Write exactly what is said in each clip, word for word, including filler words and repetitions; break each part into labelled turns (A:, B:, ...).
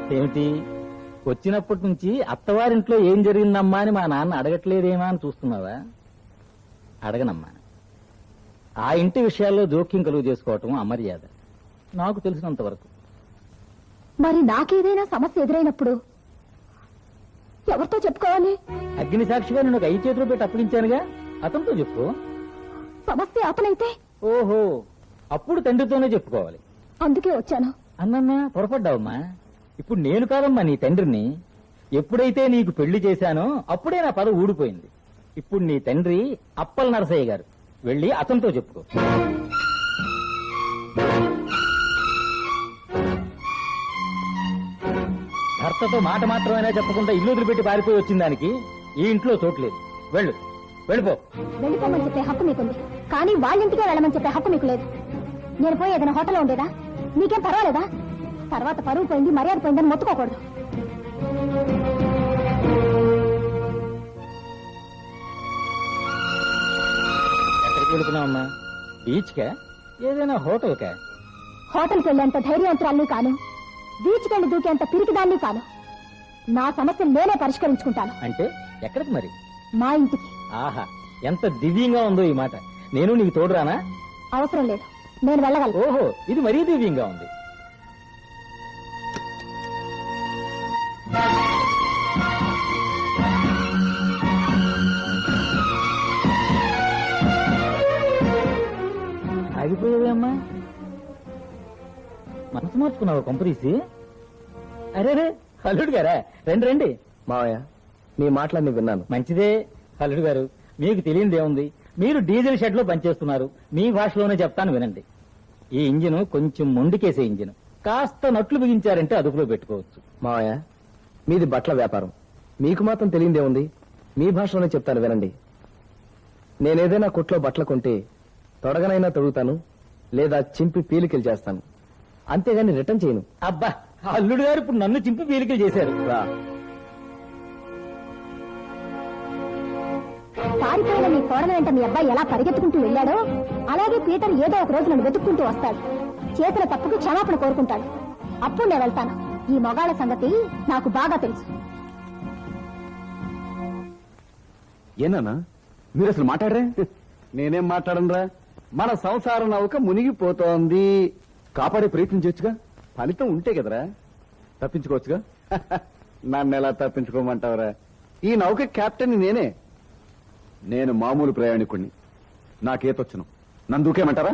A: ఏమిటి వచ్చినప్పటి నుంచి అత్తవారింట్లో ఏం జరిగిందమ్మా అని మా నాన్న అడగట్లేదేమా అని చూస్తున్నావా? అడగనమ్మా. ఆ ఇంటి విషయాల్లో జోక్యం కలుగు చేసుకోవటం అమర్యాద, నాకు తెలిసినంత వరకు.
B: మరి నాకేదైనా సమస్య ఎదురైనప్పుడు ఎవరితో చెప్పుకోవాలి?
A: అగ్ని సాక్షిగా నేను ఒక ఐదు చేతులు పెట్టి అప్పగించానుగా, అతనితో చెప్పు.
B: సమస్య అతనైతే?
A: ఓహో, అప్పుడు తండ్రితోనే చెప్పుకోవాలి.
B: అందుకే వచ్చాను.
A: అన్నమ్మా, పొరపడ్డావమ్మా. ఇప్పుడు నేను కాదమ్మా నీ తండ్రిని. ఎప్పుడైతే నీకు పెళ్లి చేశానో అప్పుడే నా పద ఊడిపోయింది. ఇప్పుడు నీ తండ్రి అప్పల నరసయ్య గారు, వెళ్ళి అతనితో చెప్పుకో. భర్తతో మాట మాత్రమైనా చెప్పకుండా ఇల్లు వదిలిపెట్టి పారిపోయి వచ్చిన దానికి ఈ ఇంట్లో చోట్లేదు. వెళ్ళు, వెళ్ళిపో.
B: వెళ్ళిపోమని చెప్పే హక్కు మీకుంది, కానీ వాళ్ళింటికే వెళ్ళమని చెప్పే హక్కు మీకు లేదు. నేను పోయి ఏదైనా హోటల్లో ఉండేదా? మీకేం పర్వాలేదా? తర్వాత పరువు పోయింది, మర్యాద పోయిందని మొత్తుకోకూడదు.
A: ఎక్కడికి వెళుతున్నావమ్మా? బీచ్ కా, ఏదైనా హోటల్ కా?
B: హోటల్కి వెళ్ళేంత ధైర్యవంతురాల్ని కాను, బీచ్కి వెళ్ళి దూకేంత పిరికిదాన్ని కాను. నా సమస్యను నేనే పరిష్కరించుకుంటాను.
A: అంటే ఎక్కడికి మరి?
B: మా ఇంటికి.
A: ఆహా, ఎంత దివ్యంగా ఉందో ఈ మాట. నేను నీకు తోడురానా?
B: అవసరం లేదు, నేను వెళ్ళగలను.
A: ఓహో, ఇది మరీ దివ్యంగా ఉంది. ఆగిపోయేవమ్మా, మనసు మార్చుకున్నావు కొంపదీసి? అరే రే, అల్లుడు గారా, రండి రండి.
C: మావయ్య, మీ మాటలన్నీ విన్నాను.
A: మంచిదే అల్లుడు గారు, మీకు తెలియదేముంది. మీరు డీజిల్ షెడ్ లో పనిచేస్తున్నారు, మీ భాషలోనే చెప్తాను వినండి. ఈ ఇంజిన్ కొంచెం మొండికేసే ఇంజిన్, కాస్త నట్లు బిగించారంటే అదుపులో పెట్టుకోవచ్చు.
C: మావయ్య, మీది బట్టల వ్యాపారం, మీకు మాత్రం తెలియదేముంది. మీ భాషలోనే చెప్తాను వినండి. నేనేదైనా కొట్లో బట్టలు కొంటే తొడగనైనా తొడుగుతాను, లేదా చింపి పీలికలు చేస్తాను, అంతేగాని రిటర్న్ చేయను.
A: అబ్బా, అల్లుడు గారు ఇప్పుడు నన్ను చింపి పీలికలు చేశారు.
C: రా.
B: పారిపోయిన నీ కోడల వెంట మీ అబ్బాయి ఎలా పరిగెత్తుకుంటూ వెళ్ళాడో అలాగే పీటర్ ఏదో ఒక రోజు నన్ను వెతుక్కుంటూ వస్తాడు. చేతుల తప్పుకు క్షమాపణ కోరుకుంటాడు. అప్పుడు నేను వెళ్తాను. ఈ మొగాళ్ళ సంగతి నాకు బాగా తెలుసు.
C: ఏనా మీరు అసలు మాట్లాడరే? నేనేం మాట్లాడనురా. మన సంసార నౌక మునిగిపోతోంది, కాపాడే ప్రయత్నం చేయొచ్చుగా. ఫలితం ఉంటే కదరా తప్పించుకోవచ్చుగా. నన్ను ఎలా తప్పించుకోమంటావురా? ఈ నౌక కెప్టెన్ నేనే. నేను మామూలు ప్రయాణికుడిని, నాకేతొచ్చును. నన్ను దూకేమంటారా?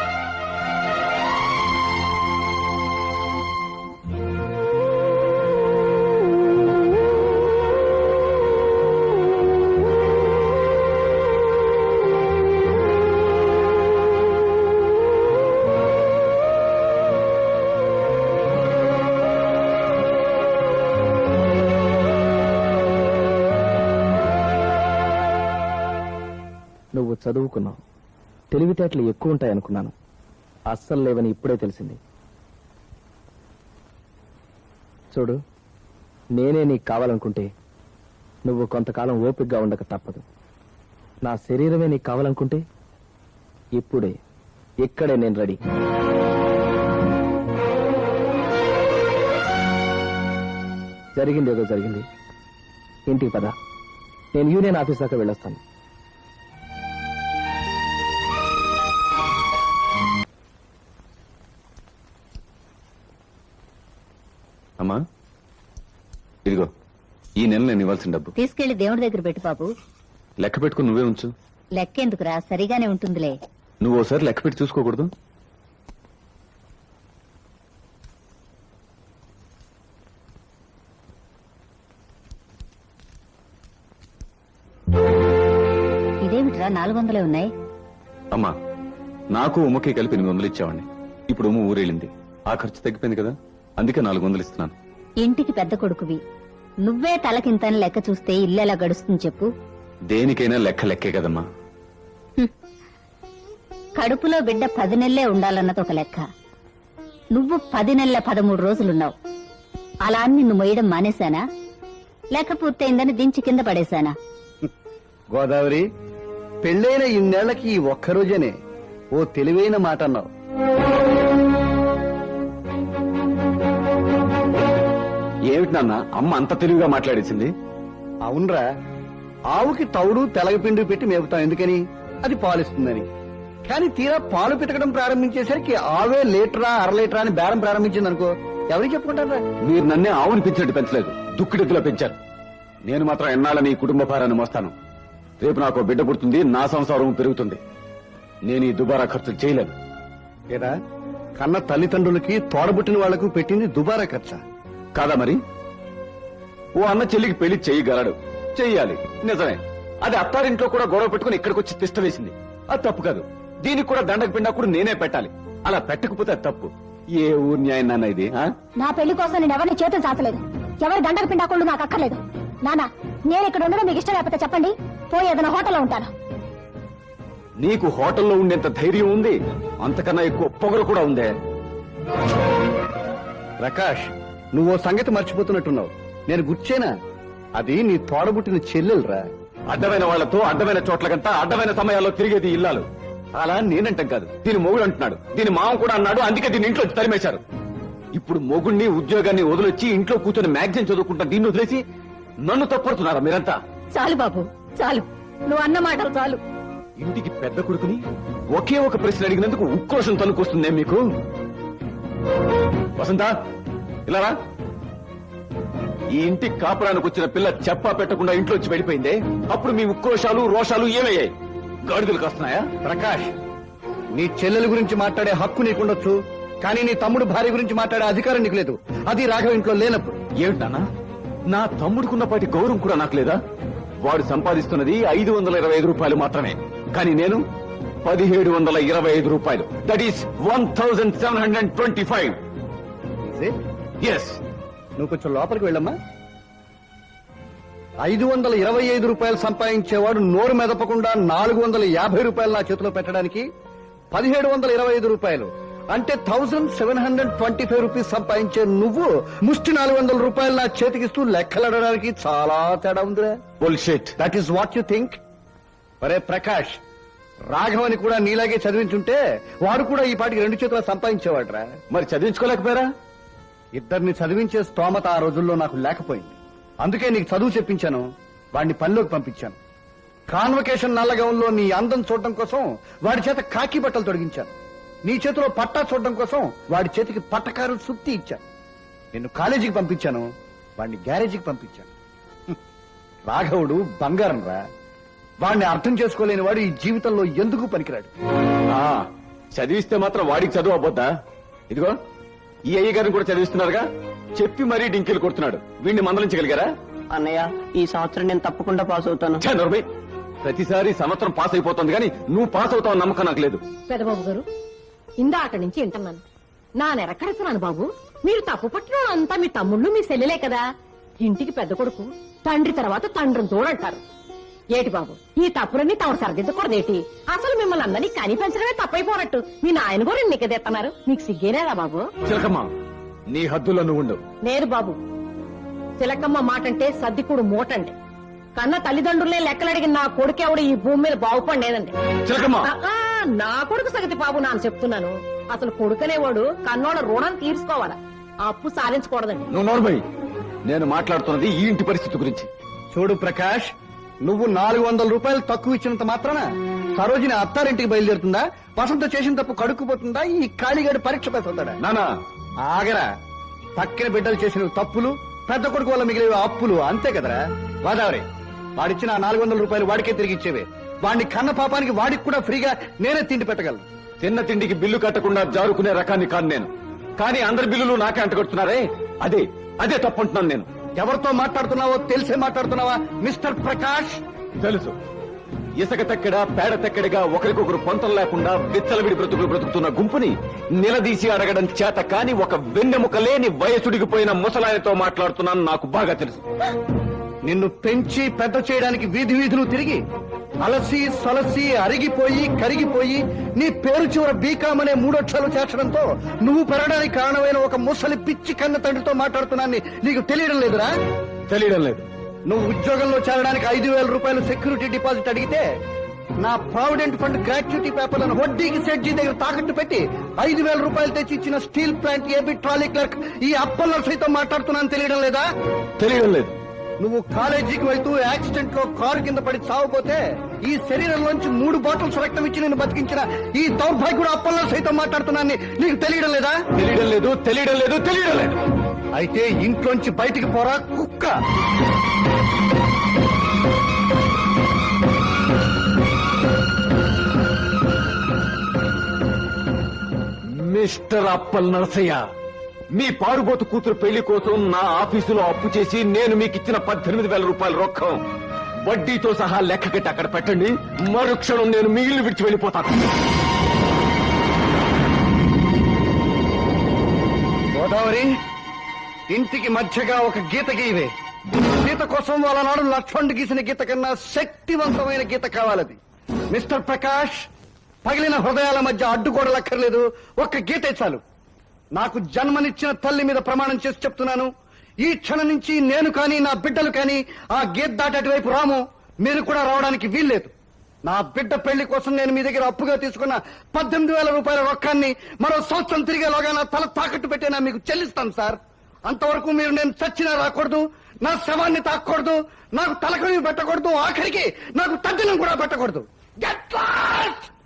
C: నువ్వు చదువుకున్నావు, తెలివితేటలు ఎక్కువ ఉంటాయనుకున్నాను. అస్సలు లేవని ఇప్పుడే తెలిసింది. చూడు, నేనే నీకు కావాలనుకుంటే నువ్వు కొంతకాలం ఓపికగా ఉండక తప్పదు. నా శరీరమే నీకు కావాలనుకుంటే ఇప్పుడే ఇక్కడే నేను రెడీ. జరిగింది ఏదో జరిగింది. ఇంటికి పద, నేను యూనియన్ ఆఫీస్ దాకా వెళ్ళొస్తాను.
D: అమ్మా, ఇదిగో ఈ నెల నేను ఇవ్వాల్సిన డబ్బు
E: తీసుకెళ్లి దేవుడి దగ్గర పెట్టు బాబు.
D: లెక్క పెట్టుకుని నువ్వే ఉంచు.
E: లెక్కెందుకురా, సరిగానే ఉంటుందిలే.
D: నువ్వు ఓసారి లెక్క పెట్టి చూసుకోకూడదు?
E: ఇదేమిట్రా నాలుగు వందలే ఉన్నాయి?
D: అమ్మా, నాకు ఉమ్మకి కలిపి ఎనిమిది వందలు ఇచ్చావండి. ఇప్పుడు ఉమ్మ ఊరేళ్ళింది, ఆ ఖర్చు తగ్గిపోయింది కదా, అందుకే నాలుగు వందలు ఇస్తున్నాను.
E: ఇంటికి పెద్ద కొడుకువి, నువ్వే తలకింతని లెక్క చూస్తే ఇల్లు ఎలా గడుస్తుంది చెప్పు?
D: దేనికైనా లెక్క లెక్కే కదమ్మా.
E: కడుపులో బిడ్డ పది నెలలే ఉండాలన్నది ఒక లెక్క. నువ్వు పది నెలల పదమూడు రోజులున్నావు. అలా అని నిన్ను మొయ్యడం మానేశానా, లెక్క పూర్తయిందని దించి కింద పడేశానా?
C: గోదావరి, పెళ్ళైన ఇన్నేళ్లకి ఈ ఒక్కరోజేనే ఓ తెలివైన మాట అన్నావు.
D: ఏమిటి నాన్న అమ్మ అంత తెలివిగా మాట్లాడేసింది?
F: అవునరా, ఆవుకి తౌడు తెలగపిండి పెట్టి మేపుతాం ఎందుకని? అది పాలిస్తుందని. కానీ తీరా పాలు పితకడం ప్రారంభించేసరికి ఆవే లీటరా అర లీటరా అని బేరం ప్రారంభించింది అనుకో, ఎవరికి చెప్పుకుంటారా?
D: మీరు నన్నే ఆవుని పెంచినట్టు పెంచలేదు, దుక్కిడెద్దులా పెంచారు. నేను మాత్రం ఎన్నాళ్ళని ఈ కుటుంబ భారాన్ని మోస్తాను. రేపు నాకు బిడ్డ పుడుతుంది, నా సంసారం పెరుగుతుంది. నేను ఈ దుబారా ఖర్చులు చేయలేను.
F: ఏరా, కన్న తల్లిదండ్రులకి తోడబుట్టిన వాళ్లకు పెట్టింది దుబారా ఖర్చా
D: కాదా మరి? ఓ అన్న చెల్లికి పెళ్లి చేయగలడు, చెయ్యాలి, నిజమే. అది అత్తారింట్లో కూడా గొడవ పెట్టుకుని ఇక్కడికి వచ్చి తిష్ట వేసింది, అది తప్పు కాదు. దీనికి కూడా దండకు పిండా కూడా నేనే పెట్టాలి. అలా పెట్టకపోతే అది తప్పు. ఏ ఊరు న్యాయం నాన్న ఇది? ఆ?
B: నా పెళ్లి కోసం నేను ఎవరిని చేతులు చాచలేదు, ఎవరి దండకు పిండాకుండా నాకు అక్కర్లేదు. నానా, నేను ఇక్కడ ఉండడం మీకు ఇష్టం లేకపోతే చెప్పండి, పోయి ఏదైనా హోటల్లో ఉంటాను.
D: నీకు హోటల్లో ఉండేంత ధైర్యం ఉంది, అంతకన్నా ఎక్కువ పొగరు కూడా ఉందే.
F: ప్రకాష్, నువ్వు ఓ సంగతి మర్చిపోతున్నట్టున్నావు. నేను గుర్చేనా? అది నీ తోడబుట్టిన చెల్లెలురా.
D: అడ్డమైన వాళ్లతో అడ్డమైన చోట్లకంతా అడ్డమైన సమయాల్లో తిరిగేది ఇల్లాలు. అలా నేనంటాం కాదు, దీని మొగుడు అంటున్నాడు, దీని మామ కూడా అన్నాడు. అందుకే దీని ఇంట్లో తరిమేశారు. ఇప్పుడు మొగుడిని ఉద్యోగాన్ని వదిలొచ్చి ఇంట్లో కూర్చొని మ్యాగజైన్ చదువుకుంటా దీన్ని వదిలేసి నన్ను తప్పడుతున్నారా మీరంతా?
E: చాలు బాబు, చాలు. నువ్వు అన్న మాటలు చాలు.
D: ఇంటికి పెద్ద కొడుకుని ఒకే ఒక ప్రశ్న అడిగినందుకు ఉక్రోషం తనుకొస్తుందే మీకు? వసంత, ఇలా రా. ఈ ఇంటి కాపురానికి వచ్చిన పిల్ల చెప్పా పెట్టకుండా ఇంట్లోంచి వెళ్ళిపోయిందే, అప్పుడు మీ ఉక్రోషాలు రోషాలు ఏమయ్యాయి? గాడిదలు కాస్తున్నాయా?
F: ప్రకాష్, నీ చెల్లెల గురించి మాట్లాడే హక్కు నీకుండొచ్చు, కానీ నీ తమ్ముడు భార్య గురించి మాట్లాడే అధికారం నీకు లేదు. అది రాఘవ ఇంట్లో లేనప్పుడు.
D: ఏమిటన్నా, నా తమ్ముడుకున్నపాటి గౌరవం కూడా నాకు లేదా? వాడు సంపాదిస్తున్నది ఐదు వందల ఇరవై ఐదు రూపాయలు మాత్రమే, కానీ నేను పదిహేడు వందల ఇరవై ఐదు రూపాయలు. That is one thousand seven hundred twenty five. Yes.
F: నువ్వు కొంచెం లోపలికి వెళ్ళమ్మా. ఐదు వందల ఇరవై ఐదు రూపాయలు సంపాదించేవాడు నోరు మెదపకుండా నాలుగు వందల యాభై రూపాయలు నా చేతిలో పెట్టడానికి పదిహేడు వందల ఇరవై ఐదు రూపాయలు అంటే thousand seven hundred twenty five rupees సంపాదించే నువ్వు ముష్టి నాలుగు వందల రూపాయలు నా చేతికిస్తూ లెక్కలడడానికి చాలా తేడా ఉందిరా.
D: Bullshit.
F: That is what you think. ఒరే ప్రకాష్, రాఘవని కూడా నీలాగే చదివించుంటే వాడు కూడా ఈ పాటికి రెండు చేతుల సంపాదించేవాడ్రా.
D: మరి చదివించుకోలేకపోయారా?
F: ఇద్దరిని చదివించే స్తోమత ఆ రోజుల్లో నాకు లేకపోయింది. అందుకే నీకు చదువు చెప్పించాను, వాడిని పనిలోకి పంపించాను. కాన్వకేషన్ నల్లగౌన్లో నీ అందం చూడడం కోసం వాడి చేత కాకి బట్టలు తొడిగించాను. నీ చేతిలో పట్టా చూడడం కోసం వాడి చేతికి పట్టకారు సుత్తి ఇచ్చాను. నిన్ను కాలేజీకి పంపించాను, వాడిని గ్యారేజీకి పంపించాను. హ్మ్. రాఘవుడు బంగారం రా. వాడిని అర్థం చేసుకోలేని వాడు ఈ జీవితంలో ఎందుకు పనికిరాడు.
D: ఆ, చదివిస్తే మాత్రం వాడికి చదువు అవ్వద్దా? ఇదిగో ఈ అయ్య గారిని కూడా చదివిస్తున్నారుగా, చెప్పి మరీ డింకిలు కొడుతున్నాడు. వీడిని మందలించగలిగారా?
G: అన్నయ్య, ఈ సంవత్సరం నేను తప్పకుండా పాస్ అవుతాను.
D: ఛే, నోర్మై. ప్రతిసారి సంవత్సరం పాస్ అయిపోతుంది కానీ నువ్వు పాస్ అవుతావు నమ్మకం నాకు లేదు.
H: పెదబాబు గారు, ఇందాక నుంచి వింటున్నాను. నా నెరకడుతున్నాను బాబు. మీరు తప్పు పట్టిన అంతా మీ తమ్ముళ్ళు మీ సెల్లెలే కదా. ఇంటికి పెద్ద కొడుకు, తండ్రి తర్వాత తండ్రిని తోడంటారు. ఏటి బాబు, ఈ తప్పులన్నీ తమరు సరిదిద్దకూడదేటి? అసలు మిమ్మల్ని అందరినీ కని పెంచడమే తప్పైపోనట్టు మీ నాయన కూడా నిక్కదెత్తన్నారు. మీకు సిగ్గేనేదా బాబు?
D: చిలకమ్మ, నీ హద్దులో నువ్వు ఉండు.
H: లేదు బాబు, చిలకమ్మ మాటంటే సర్దికుడు మూటండి. కన్న తల్లిదండ్రులే లెక్కలడిగిన నా కొడుకెవడు ఈ భూమి మీద బాగుపడలేదండి.
D: చిలకమ్మ,
H: ఆ, నా కొడుకు సగతి బాబు నాన్న చెప్తున్నాను. అసలు కొడుకనేవాడు కన్నోళ్ళ రుణం తీర్చుకోవాలా, అప్పు సాధించకూడదండి.
D: నువ్వు నోర్మై. నేను మాట్లాడుతున్నది ఈ ఇంటి పరిస్థితి గురించి.
F: చూడు ప్రకాష్, నువ్వు నాలుగు వందల రూపాయలు తక్కువ ఇచ్చినంత మాత్రాన సరోజిని అత్తారింటికి బయలుదేరుతుందా? వసంత చేసిన తప్పు కడుక్కుపోతుందా? ఈ ఖాళీగాడు పరీక్ష పెట్టుతాడా?
D: నానా,
F: ఆగరా. తక్కిన బిడ్డలు చేసిన తప్పులు, పెద్ద కొడుకు వల్ల మిగిలిన అప్పులు, అంతే కదరా. గోదావరి, వాడిచ్చిన నాలుగు వందల రూపాయలు వాడికే తిరిగి ఇచ్చేవే. వాడిని కన్న పాపానికి వాడికి కూడా ఫ్రీగా నేనే తిండి పెట్టగలను.
D: తిన్న తిండికి బిల్లు కట్టకుండా జారుకునే రకాన్ని కాను నేను. కానీ అందరి బిల్లులు నాకే అంటగడుతున్నారే, అదే అదే తప్పుంటున్నాను నేను.
F: ఎవరితో మాట్లాడుతున్నావో తెలిసే మాట్లాడుతున్నావా మిస్టర్ ప్రకాష్?
D: తెలుసు. ఇసుక తెక్కడ పేడ తెక్కడిగా ఒకరికొకరు పొంతం లేకుండా విచ్చలవిడి బ్రతుకులు బ్రతుకుతున్న గుంపుని నిలదీసి అడగడం చేత కాని ఒక వెన్నెముక లేని వయసుడిగిపోయిన ముసలాయనతో మాట్లాడుతున్నాను, నాకు బాగా తెలుసు.
F: నిన్ను పెంచి పెద్ద చేయడానికి వీధి వీధులు తిరిగి అలసి సొలసి అరిగిపోయి కరిగిపోయి నీ పేరు చివర బీకాం అనే మూడొక్షరాలు చేర్చడంతో నువ్వు పెరగడానికి కారణమైన ఒక ముసలి పిచ్చి కన్న తండ్రితో మాట్లాడుతున్నాన్ని నీకు తెలియడం లేదురా?
D: తెలియడం లేదు.
F: నువ్వు ఉద్యోగంలో చేరడానికి ఐదు వేల రూపాయలు సెక్యూరిటీ డిపాజిట్ అడిగితే నా ప్రావిడెంట్ ఫండ్ గ్రాట్యుటీ పేపర్లను వడ్డీకి సెడ్జీ దగ్గర తాకట్టు పెట్టి ఐదు వేల రూపాయలు తెచ్చి ఇచ్చిన steel plant AB trolley clerk ఈ అప్పల్ సైతం మాట్లాడుతున్నాను తెలియడం లేదా?
D: తెలియడం లేదు.
F: నువ్వు కాలేజీకి వెళ్తూ యాక్సిడెంట్ లో కారు కింద పడి చావపోతే ఈ శరీరంలోంచి మూడు బాటిల్స్ రక్తం ఇచ్చి నేను బతికించిన ఈ దౌర్భాగ్యుడు అప్పల్లో సైతం మాట్లాడుతున్నాను నీకు తెలియడం లేదా?
D: తెలియడం లేదు, తెలియడం లేదు, తెలియడం లేదు.
F: అయితే ఇంట్లోంచి బయటికి పోరా కుక్క.
D: మిస్టర్ అప్పల్ నరసయ్య, మీ పారుబోతు కూతురు పెళ్లి కోసం నా ఆఫీసులో అప్పు చేసి నేను మీకు ఇచ్చిన పద్దెనిమిది వేల రూపాయల రొక్కం వడ్డీతో సహా లెక్క కట్టి అక్కడ పెట్టండి. మరుక్షణం నేను మీ ఇల్లు విడిచి వెళ్ళిపోతాను.
F: గోదావరి, ఇంటికి మధ్యగా ఒక గీత గీవే. గీత కోసం వాళ్ళ నాడు లక్ష్మణ్ గీసిన గీత కన్నా శక్తివంతమైన గీత కావాలది. మిస్టర్ ప్రకాష్, పగిలిన హృదయాల మధ్య అడ్డుగోడలక్కర్లేదు, ఒక్క గీతే చాలు. నాకు జన్మనిచ్చిన తల్లి మీద ప్రమాణం చేసి చెప్తున్నాను, ఈ క్షణం నుంచి నేను కానీ నా బిడ్డలు కానీ ఆ గేట్ దాటి అటువైపు రాము. మీరు కూడా రావడానికి వీల్లేదు. నా బిడ్డ పెళ్లి కోసం నేను మీ దగ్గర అప్పుగా తీసుకున్న పద్దెనిమిది వేల రూపాయల రొక్కాన్ని మరో సంవత్సరం తిరిగేలోగా నా తల తాకట్టు పెట్టేనా మీకు చెల్లిస్తాను సార్. అంతవరకు మీరు నేను చచ్చినా రాకూడదు, నా శవాన్ని తాకూడదు, నాకు తలకని పెట్టకూడదు, ఆఖరికి నాకు తద్దినం కూడా పెట్టకూడదు. Get last!